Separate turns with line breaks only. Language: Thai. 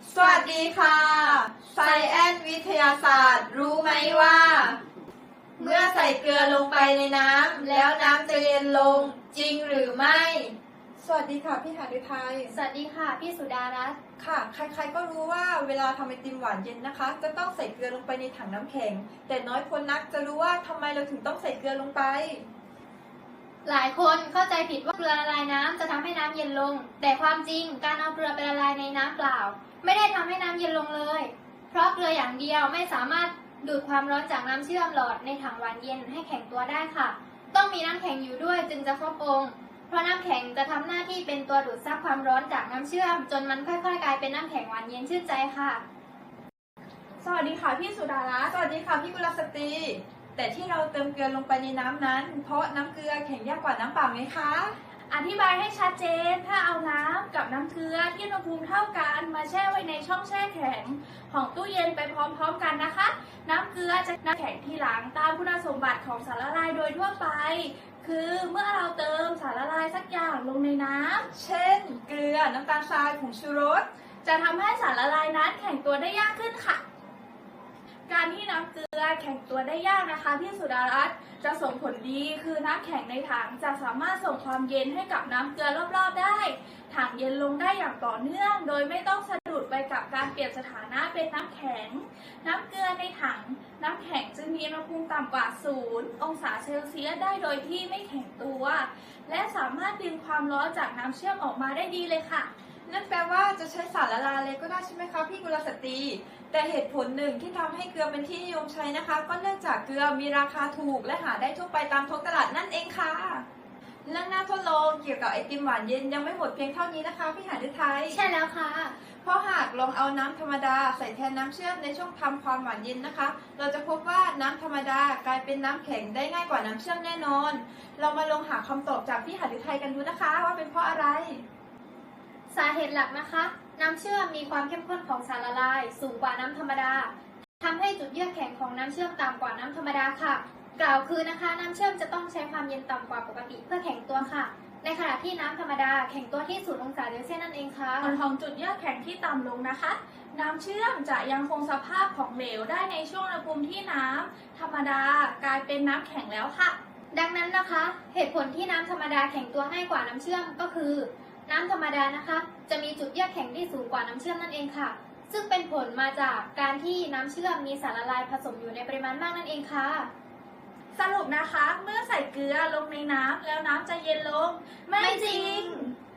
สวัสดีค่ะไซแอนวิทยาศาสตร์รู้ไหมว่า เมื่อใส่เกลือลงไปในน้ำแล้วน้ำจะเย็นลงจริงหรือไม่ สวัสดีค่ะพี่หฤทัย
สวัสดีค่ะพี่สุดารัตน์
ค่ะ ใครๆก็รู้ว่าเวลาทำไอติมหวานเย็นนะคะ จะต้องใส่เกลือลงไปในถังน้ำแข็ง แต่น้อยคนนักจะรู้ว่าทำไมเราถึงต้องใส่เกลือลงไป
หลายคนเข้าใจผิดว่าเกลือละลายน้ำจะทำให้น้ำเย็นลง แต่ความจริงการเอาเกลือไปละลายในน้ำเปล่า ไม่ได้ทำให้น้ำเย็นลงเลย เพราะเกลืออย่างเดียวไม่สามารถดูดความร้อนจากน้ำเชื่อมหลอดในถังหวานเย็นให้แข็งตัวได้ค่ะ ต้องมีน้ำแข็งอยู่ด้วยจึงจะครบองค์เพราะน้ำแข็งจะทำหน้าที่เป็นตัวดูดซับความร้อนจากน้ำเชื่อมจนมันค่อยๆกลายเป็นน้ำแข็งหวานเย็นชื่นใจค่ะ
สวัสดีค่ะพี่สุดารัตน์
สวัสดีค่ะพี่กุลสตรีแต่ที่เราเติมเกลือลงไปในน้ำนั้น เพราะน้ำเกลือแข็งยากกว่าน้ำเปล่าไงคะ
อธิบายให้ชัดเจน ถ้าเอาน้ำกับน้ำเกลือที่อุณหภูมิเท่ากันมาแช่ไว้ในช่องแช่แข็งของตู้เย็นไปพร้อมๆกันนะคะ น้ำเกลือจะน้ำแข็งทีหลังตามคุณสมบัติของสารละลายโดยทั่วไป คือเมื่อเราเติมสารละลายสักอย่างลงในน้ำ
เช่น เกลือ น้ำตาลทราย ผงชูรส
จะทำให้สารละลายนั้นแข็งตัวได้ยากขึ้นค่ะ การที่น้ำเกลือแข็งตัวได้ยากนะคะพี่สุดารัตน์จะส่งผลดีคือน้ำแข็งในถังจะสามารถส่งความเย็นให้กับน้ำเกลือรอบๆได้ถังเย็นลงได้อย่างต่อเนื่องโดยไม่ต้องสะดุดไปกับการเปลี่ยนสถานะเป็นน้ำแข็งน้ำเกลือในถังน้ำแข็งจึงมีอุณหภูมิต่ำกว่า0องศาเซลเซียสได้โดยที่ไม่แข็งตัวและสามารถดึงความร้อนจากน้ำเชื่อมออกมาได้ดีเลยค่ะ
นั่นแปลว่าจะใช้สารละลายอะไรก็ได้ใช่ไหมคะพี่กุลสตรีแต่เหตุผลหนึ่งที่ทำให้เกลือเป็นที่นิยมใช้นะคะ ก็เนื่องจากเกลือมีราคาถูกและหาได้ทั่วไปตามท้องตลาดนั่นเองค่ะเรื่องน่าทดลองเกี่ยวกับไอติมหวานเย็นยังไม่หมดเพียงเท่านี้นะคะพี่หฤทัย
ใช่แล้วค่ะ
เพราะหากลองเอาน้ำธรรมดาใส่แทนน้ำเชื่อมในช่วงทำความหวานเย็นนะคะ เราจะพบว่าน้ำธรรมดากลายเป็นน้ำแข็งได้ง่ายกว่าน้ำเชื่อมแน่นอน เรามาลองหาคำตอบจากพี่หฤทัยกันดูนะคะ ว่าเป็นเพราะอะไร
สาเหตุหลักนะคะ น้ำเชื่อมมีความเข้มข้นของสารละลายสูงกว่าน้ำธรรมดาทำให้จุดเยือกแข็งของน้ำเชื่อมต่ำกว่าน้ำธรรมดาค่ะ กล่าวคือนะคะน้ำเชื่อมจะต้องใช้ความเย็นต่ำกว่าปกติเพื่อแข็งตัวค่ะ ในขณะที่น้ำธรรมดาแข็งตัวที่0 องศาเซลเซียสนั่นเองค่ะ
ผลของจุดเยือกแข็งที่ต่ำลงนะคะ น้ำเชื่อมจะยังคงสภาพของเหลวได้ในช่วงอุณหภูมิที่น้ำธรรมดากลายเป็นน้ำแข็งแล้วค่ะ
ดังนั้นนะคะ เหตุผลที่น้ำธรรมดาแข็งตัวง่ายกว่าน้ำเชื่อมก็คือ น้ำธรรมดานะคะ จะมีจุดเยือกแข็งที่สูงกว่าน้ำเชื่อมนั่นเองค่ะ ซึ่งเป็นผลมาจากการที่น้ำเชื่อมมีสารละลายผสมอยู่ในปริมาณมากนั่นเองค่ะ
สรุปนะคะ เมื่อใส่เกลือลงในน้ำแล้วน้ำจะเย็นลง ไม่จริง